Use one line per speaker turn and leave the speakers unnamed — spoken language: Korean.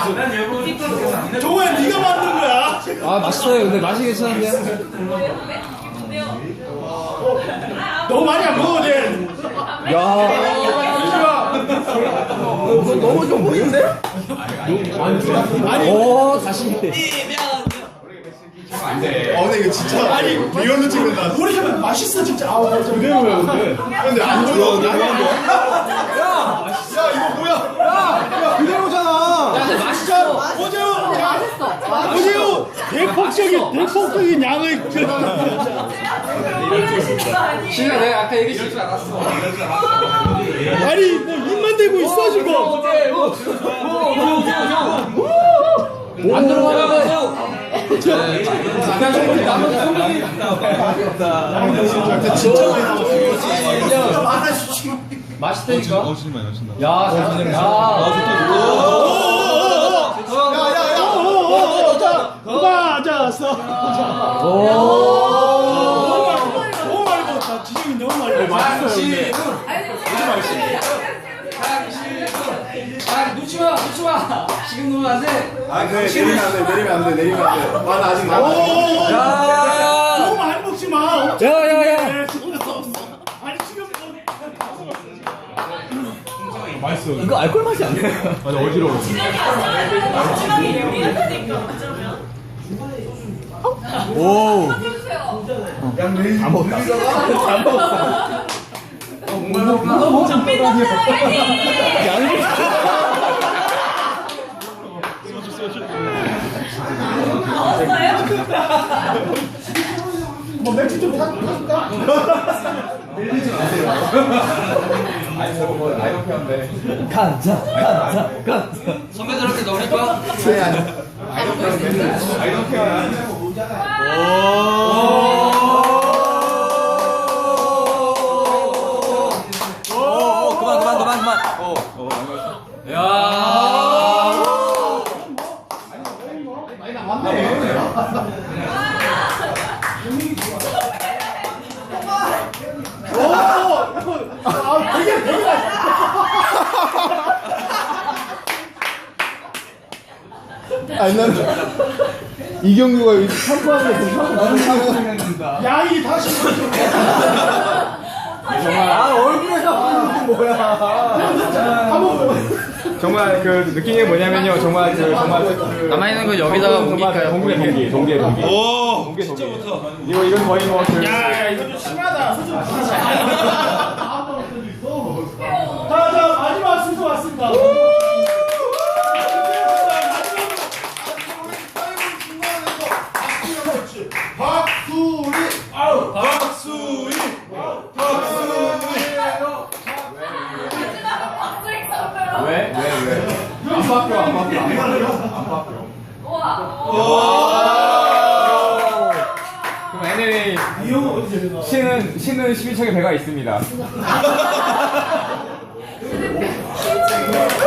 정우야 네가 만든 거야.
아 맛있어요. 근데 맛이 괜찮은데요?
너무 많이 안 먹어도 돼.
야. 너무 좀 보이는데?
아니.
오 다시.
근데 이거 진짜 아니 리얼로 찍는다.
우리 집은 맛있어 진짜. 아우
그대로야 근데 안 좋아. 야 이거 뭐야? 야 그대로잖아.
야 근데 맛있어.
보세요. 대폭적인 양을.
신나 내가 아까 얘기했을 줄 알았어.
아니 뭐 입만 대고 있어 지금.
안 들어가는데. 맛있다니까. 야, 잘
맞았어. 너무 많이 먹었다. 지정이 너무 많이 먹었어.
놓지 마. 지금 놓으면 안 돼.
그래 내리면 안 돼. 만 아직 남아.
너무 많이 먹지 마.
야야야.
아니 지금
맛있어.
이거 알코올 맛이 안 나.
아니 어지러워.
오.
다 먹었다.
뭐 맥주 좀 사줄까?
가자. 선배들한테 넣을 거야? 그만.
아니 난 이경규가 여기 샴푸하는 거
양이 다시
얼굴에서 보이는 게 뭐야? 정말 그 느낀 게 뭐냐면요. 정말
남아있는 거 여기다가 옮길까요?
동계.
오 진짜 좋다.
이건 거의 뭐 그.
야 이거 좀 심하다. 자 마지막 순서 왔습니다.
왜? 안 바뀌어. 그럼 NLA 신은 12척의 배가 있습니다.